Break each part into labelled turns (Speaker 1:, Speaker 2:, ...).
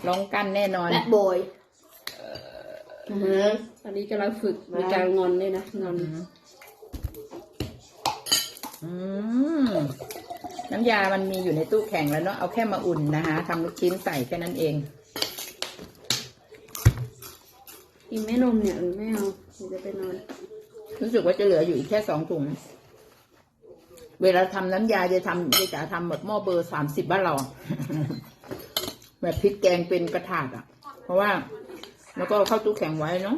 Speaker 1: ร้องกั้นแน่นอน
Speaker 2: แบดบอย
Speaker 3: ตอนนี้กำลังฝึกในการงอนเลยนะงอน
Speaker 1: น้ำยามันมีอยู่ในตู้แข็งแล้วเนาะเอาแค่มาอุ่นนะคะทำลูกชิ้นใส่แค่นั้นเอง
Speaker 3: กินแม่นมเนี่ยหรือไม่เอาหรือจะไปนอน
Speaker 1: รู้สึกว่าจะเหลืออยู่อีกแค่2 ถุงเวลาทำน้ำยาจะทำแบบหม้อเบอร์30บ้านเรา แบบพริกแกงเป็นกระถาดอ่ะเพราะว่าแล้วก็เข้าตู้แข็งไว้เนาะ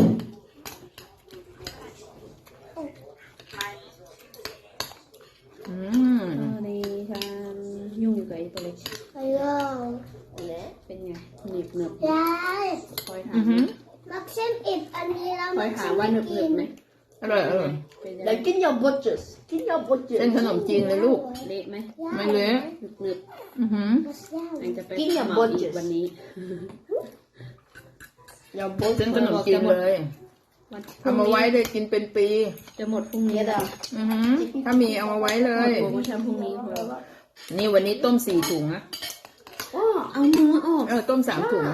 Speaker 3: ในการยุ่งกับไอ้ตัวเล็กเป็นไงหนึบหนึบคอยถาม
Speaker 2: มักเส้นอิดอันนี้แล้ว
Speaker 3: คอยถามว่าหนึบหนึบไหม
Speaker 1: อร่อยอร่อย
Speaker 2: แล้วกินยาบดจุสกินยาบดจุส
Speaker 1: เป็นขนมจีนเลยลูก
Speaker 3: เละไหม
Speaker 1: ไม่เละ
Speaker 3: หนึบหนึบอันจะไป
Speaker 2: กินยาบดจุส
Speaker 3: วันนี้
Speaker 2: ยาบด
Speaker 1: เป็นขนมจีนเลยทำมาไว้เลยกินเป็นปี
Speaker 3: จะหมดพรุ่งนี้แล้ว
Speaker 1: ถ้ามีเอามาไว้เลย
Speaker 3: โปรโมชั่นพรุ่งนี้
Speaker 1: นี่วันนี้ต้ม4 ถุงนะ
Speaker 3: เอาเนื้อออก
Speaker 1: ต้ม3 ถุง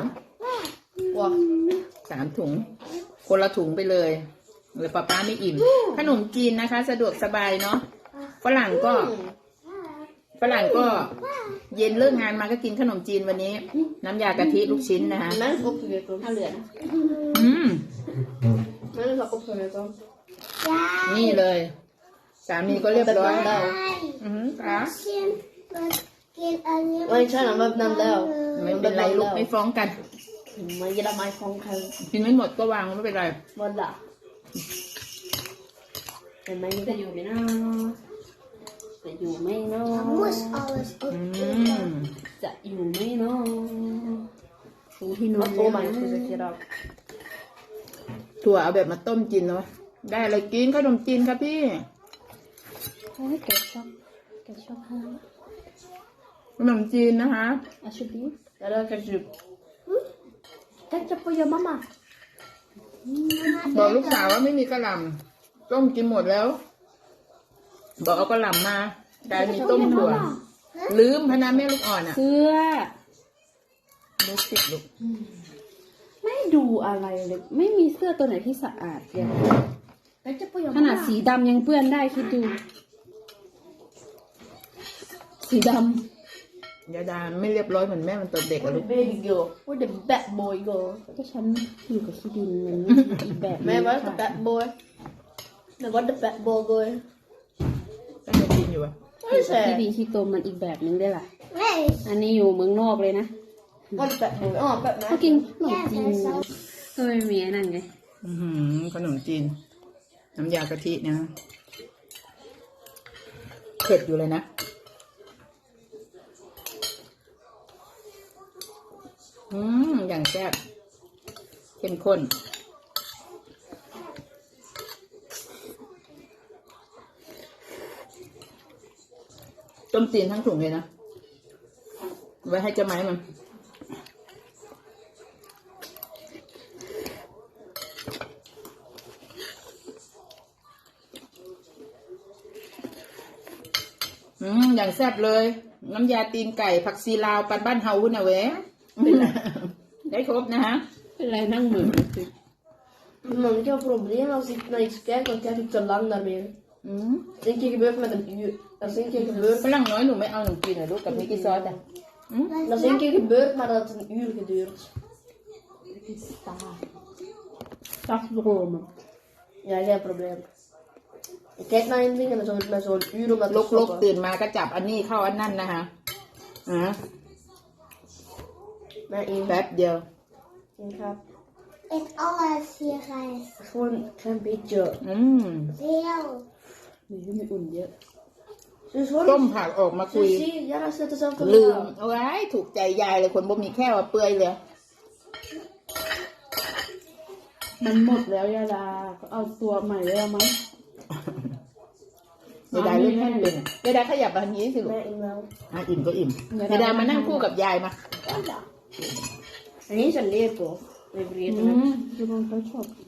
Speaker 1: 3 ถุงคนละถุงไปเลยหรือป้าไม่อิ่มขนมจีนนะคะสะดวกสบายเนาะฝรั่งก็เย็นเลิกงานมาก็กินขนมจีนวันนี้น้ำยากะทิลูกชิ้นนะคะ
Speaker 3: นั่นก็คือถ้าเหลือนั่นก็คือ
Speaker 1: นี่เลยสามีก็เรียบร้อยแล้ว
Speaker 2: ไม่ใช่หรอกแบบนั้นแล้ว
Speaker 1: ไม่เป็นไรลูกไม่ฟ้องกัน
Speaker 2: ไม่จะไม่ฟ้องใคร
Speaker 1: กินไม่หมดก็วางไม่เป็นไร
Speaker 2: หมดละ
Speaker 3: เห็นไหมนี่จะอยู่ไหมนะจะอยู่ไหมเนาะจะอยู่ไหมเนาะดูที่นอน
Speaker 2: โอ้มันคือจะคิดเอา
Speaker 1: ถั่วเอาแบบมาต้มกินเนาะได้อะไรกินขนมจีนครับพี่
Speaker 3: แกชอบให้
Speaker 1: ขนมจีนนะคะ
Speaker 3: อาชุบี
Speaker 2: แล้วก็จุบจะไปยังมาม่า
Speaker 1: บอกลูกสาวว่าไม่มีกระหล่ำต้มกินหมดแล้วบอกเอากระหล่ำมาได้มีต้มถั่วลืมพนาแม่ลูกอ่อนอ่ะ
Speaker 3: เสื้อ
Speaker 1: ลูกติดลูก
Speaker 3: ไม่ดูอะไรเลยไม่มีเสื้อตัวไหนที่สะอาดเลยขนาดสีดำยังเปื้อนได้คิดดูสีดำ
Speaker 1: ยาดาไม่เรียบร้อยเหมือนแม่มันตัวเด็กอะลูก
Speaker 2: baby girl what the bad boy girl
Speaker 3: ก็ฉันอยู่กับขี้ดินมันอีกแบบ
Speaker 2: แม่ว่า the bad boy แต่ what the bad boy girl
Speaker 1: ก็ยังกินอยู่อะ
Speaker 3: อยู่กับขี้ดินขี้ตมมันอีกแบบนึงได้ล่ะอันนี้อยู่เมืองนอกเลยนะ
Speaker 2: what the bad boy แบบนั้น
Speaker 3: เขากินขนมจีนก็ไม่มีนั่นไง
Speaker 1: ขนมจีนน้ำยากะทินะเผ็ดอยู่เลยนะอย่างแซ่บเข้มข้นต้มจีนทั้งถุงเลยนะไว้ให้เจ้าไม้มันอย่างแซ่บเลยน้ำยาตีนไก่ผักซีลาวปันบ้านเฮาหุ่นเอาไว้ได้ครบนะฮะ
Speaker 3: เป็นไรนั่งเหมือน
Speaker 2: Man kan ha problem als ik naar iets kijk, dan kijk ik te lang daarmee. Dat is een keer gebeurd met een uur. Dat is een keer gebeurd.
Speaker 1: ฝรั่งน้อยหนูไม่เอาหนูกินนะลูกกับมิกกี้ซอสอ่ะ
Speaker 2: Dat is een keer gebeurd, maar dat heeft een uur geduurd.
Speaker 3: Stafdromen.
Speaker 2: Ja, geen probleem. Ik kijk naar een ding en dan met zo'n uur om dat te
Speaker 1: stoppen. ตื่นมาก็จับอันนี้เข้าอันนั่นนะคะแป๊บเดียว
Speaker 2: Ik ga
Speaker 4: Eet alles hier, guys.
Speaker 2: gewoon een klein beetje.
Speaker 4: Veel.
Speaker 3: Nu met onje.
Speaker 1: ต้มผักออกมาคุย
Speaker 2: Ja, dat is net dezelfde
Speaker 1: ลืมเอาไว้ถูกใจยายเลยคนบ่มีแค่ว่าเปื่อยเลย
Speaker 3: มันหมดแล้วยาดาเอาตัวใหม่แล้วมั้ง
Speaker 1: ยายดาเล่นแค่เป็นยายดาขยับแบบนี้สิลูกอิ่มก็อิ่มยายดามานั่งคู่กับยายมา
Speaker 2: อันนี้ฉันเรียกตัวเรียก
Speaker 3: ดูมันเขาชอบ